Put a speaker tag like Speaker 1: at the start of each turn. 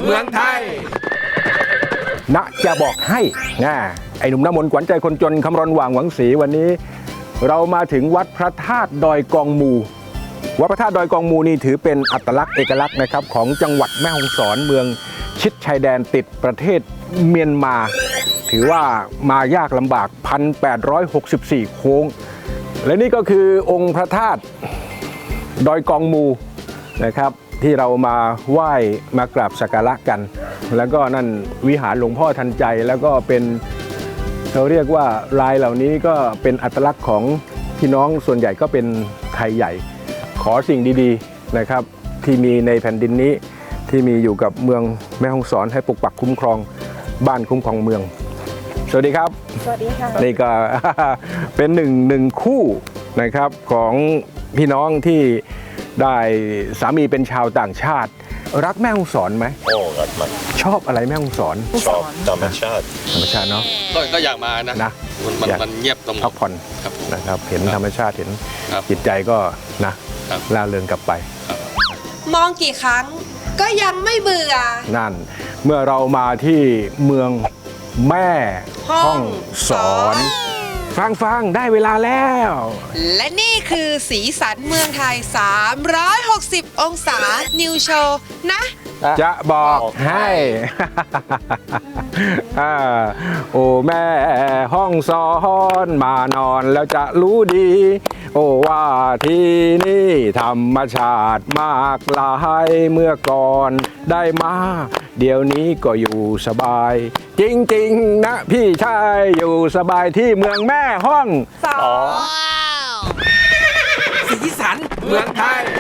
Speaker 1: เมืองไทยณจะบอกให้นะไอ้หนุ่มน้ำมนต์ขวัญใจคนจนคำรณหว่างหวังศรีวันนี้เรามาถึงวัดพระธาตุดอยกองมูวัดพระธาตุดอยกองมูนี่ถือเป็นอัตลักษณ์เอกลักษณ์นะครับของจังหวัดแม่ฮ่องสอนเมืองชิดชายแดนติดประเทศเมียนมาถือว่ามายากลำบาก 1,864 โค้งและนี่ก็คือองค์พระธาตุดอยกองมูนะครับที่เรามาไหว้มากราบสักการะกันแล้วก็นั่นวิหารหลวงพ่อทันใจแล้วก็เป็นเขาเรียกว่าลายเหล่านี้ก็เป็นอัตลักษณ์ของพี่น้องส่วนใหญ่ก็เป็นไทยใหญ่ขอสิ่งดีๆนะครับที่มีในแผ่นดินนี้ที่มีอยู่กับเมืองแม่ฮ่องสอนให้ปกปักคุ้มครองบ้านคุ้มครองเมืองสวัสดีครับ
Speaker 2: สวัสดีค่ะ
Speaker 1: นี่ก็ เป็นหนึ่งคู่นะครับของพี่น้องที่ได้สามีเป็นชาวต่างชาติรักแม่ฮ่องสอนไหม
Speaker 3: โอ้รักมาก
Speaker 1: ชอบอะไรแม่ฮ่องสอน
Speaker 3: ชอบธรรมชาติ
Speaker 1: เนาะ
Speaker 3: ก็อยากมานะมันเงียบตรง
Speaker 1: พักผ่อนนะครับเห็นธรรมชาติเห็นจิตใจก็นะล่าเริงกลับไป
Speaker 2: มองกี่ครั้งก็ยังไม่เบื่อ
Speaker 1: นั่นเมื่อเรามาที่เมืองแม่ฮ่องสอนฟังได้เวลาแล้ว
Speaker 2: และนี่คือสีสันเมืองไทย360องศานิวโชว์นะ
Speaker 1: จะบอกให้โอ้แม่ห้องสอนมานอนแล้วจะรู้ดีโอ้ว่าที่นี่ธรรมชาติมากลายเมื่อก่อนได้มาเดี๋ยวนี้ก็อยู่สบายจริงๆนะพี่ชายอยู่สบายที่เมืองแม่ห้อง
Speaker 2: สอน
Speaker 1: สีสันเมืองไทย